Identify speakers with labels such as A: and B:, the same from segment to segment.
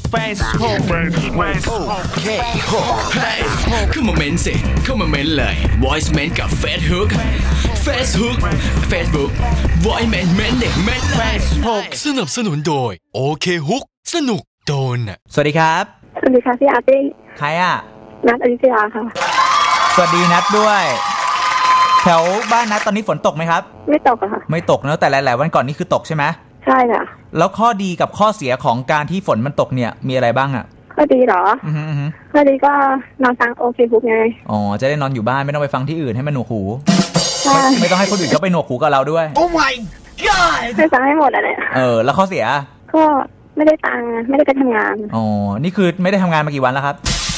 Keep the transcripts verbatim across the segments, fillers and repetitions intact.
A: Facebook Facebook
B: เข้ามาเม้นสิเข้ามาเม้นเลย Voice เม้นกับ Facebook Facebook Facebook Voice เม้นเม้นเด็กเม้น
A: Facebook
B: สนับสนุนโดยโอเคฮุกสนุกโดนอ่ะ
C: สวัสดีครับ
D: สวัสดีค่ะพี่อาร์ตี้
C: ใครอ่ะ
D: นัทอยุธยาค่ะ
C: สวัสดีนัทด้วยแถวบ้านนัทตอนนี้ฝนตกไหมครับ
D: ไม่ตกอะค่ะ
C: ไม่ตกนะแต่หลายๆวันก่อนนี่คือตกใช่ไหม
D: ใช่ค่ะ
C: แล้วข้อดีกับข้อเสียของการที่ฝนมันตกเนี่ยมีอะไรบ้างอ่ะ
D: ข้อดีเหรอ
C: อือฮึ
D: ข้อดีก็นอนฟังโอเคบุ๊กไง
C: อ๋อจะได้นอนอยู่บ้านไม่ต้องไปฟังที่อื่นให้มันหนวกหู
D: ใช่
C: ไม่ต้องให้คนอื่นเขาไปหนวกหูกับเราด้วย
A: Oh my god
D: ไม่ฟังให้หมดอะไร
C: เออแล้วข้อเสีย
D: ก็ไม่ได้ตังค์ไม่ได้ไปทำงาน
C: อ๋อนี่คือไม่ได้ทำงานมากี่วันแล้วครับ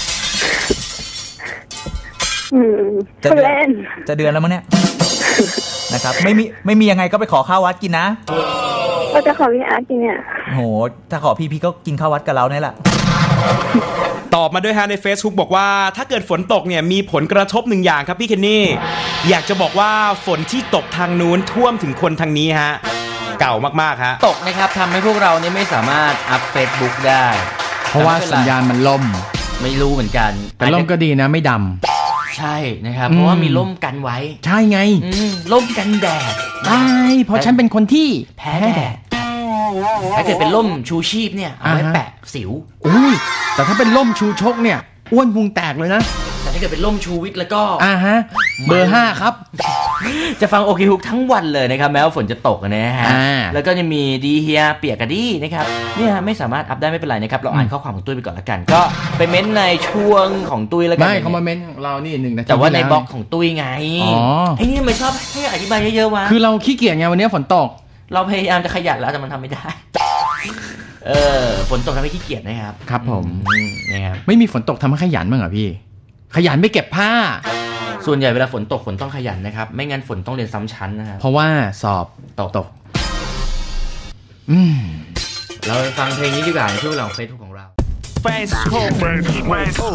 D: อืมจะเล่น
C: จะเดือนแล้วมั้งเนี่ยนะครับไม่มีไม่มียังไงก็ไปขอข้าววัดกินนะ
D: ก็จะขอพี่อาร์ตกินเนี่ย
C: โหถ้าขอพี่พี่ก็กินข้าววัดกับเราเนี่ยแหละ
E: ตอบมาด้วยฮะใน Facebook บอกว่าถ้าเกิดฝนตกเนี่ยมีผลกระทบหนึ่งอย่างครับพี่เคนนี่อยากจะบอกว่าฝนที่ตกทางนู้นท่วมถึงคนทางนี้ฮะเก่ามากๆฮะ
F: ตกนะครับทำให้พวกเราเนี่ยไม่สามารถอัพ Facebook ได้
G: เพราะว่าสัญญาณมันล่ม
F: ไม่รู้เหมือนกัน
G: แต่ล่มก็ดีนะไม่ด
F: ำใช่นะครับเพราะว่ามีล่มกันไว้
G: ใช่ไง
F: ล่มกันแดด
G: ใช่เพราะฉันเป็นคนที่
F: แพ้แดดถ้าเกิดเป็นล่มชูชีพเนี่ยเอาไว้แปะสิว
G: อุ้ยแต่ถ้าเป็นล่มชูชกเนี่ยอ้วนพุงแตกเลยนะ
F: แต่ถ้าเกิดเป็นล่มชูวิทย์แล้วก็
G: อ่าฮะเบอร์ห้าครับ
F: จะฟังโอเคฮุกทั้งวันเลยนะครับแม้ว่าฝนจะตกนะฮะแล้วก็จะมีดีเฮียเปียกกะดี้นะครับเนี่ยไม่สามารถอัพได้ไม่เป็นไรนะครับเราอ่านข้อความของตุ้ยไปก่อนละกันก็ไปเม้นในช่วงของตุ้ยแล้วกัน
G: ไม่เขามาเม้นของเรานี่หนึ่งนาที
F: แต่ว่าในบล็อกของตุ้ยไงไอ้นี่ไม่ชอบให้อธิบายเยอะๆวะ
G: คือเราขี้เกียจไงวันนี้ฝนตก
F: เราพยายามจะขยันแล้วแต่มันทำไม่ได้เออฝนตกทำให้ขี้เกียจนะครับ
G: ครับผม
F: นะครับ
G: ไม่มีฝนตกทำให้ขยันบ้างเหรอพี่ขยันไม่เก็บผ้า
F: ส่วนใหญ่เวลาฝนตกฝนต้องขยันนะครับไม่งั้นฝนต้องเรียนซ้ำชั้นนะครับ
G: เพราะว่าสอบ
F: ตก
G: ตกอืม
F: เราฟังเพลงนี้ดีกว่าในช่วงเราเฟซบุ๊กของเรา
A: Facebook Facebook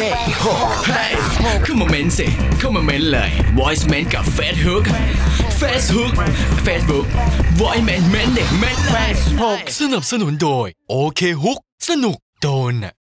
B: เข้ามาเม้นสิเข้ามาเม้นเลย Voice เม้นกับ Facebook Facebook Facebook Voice เม้นเม้นเด็กเม้น
A: Facebook
B: สนับสนุนโดยโอเคฮุกสนุกโดนอ่ะ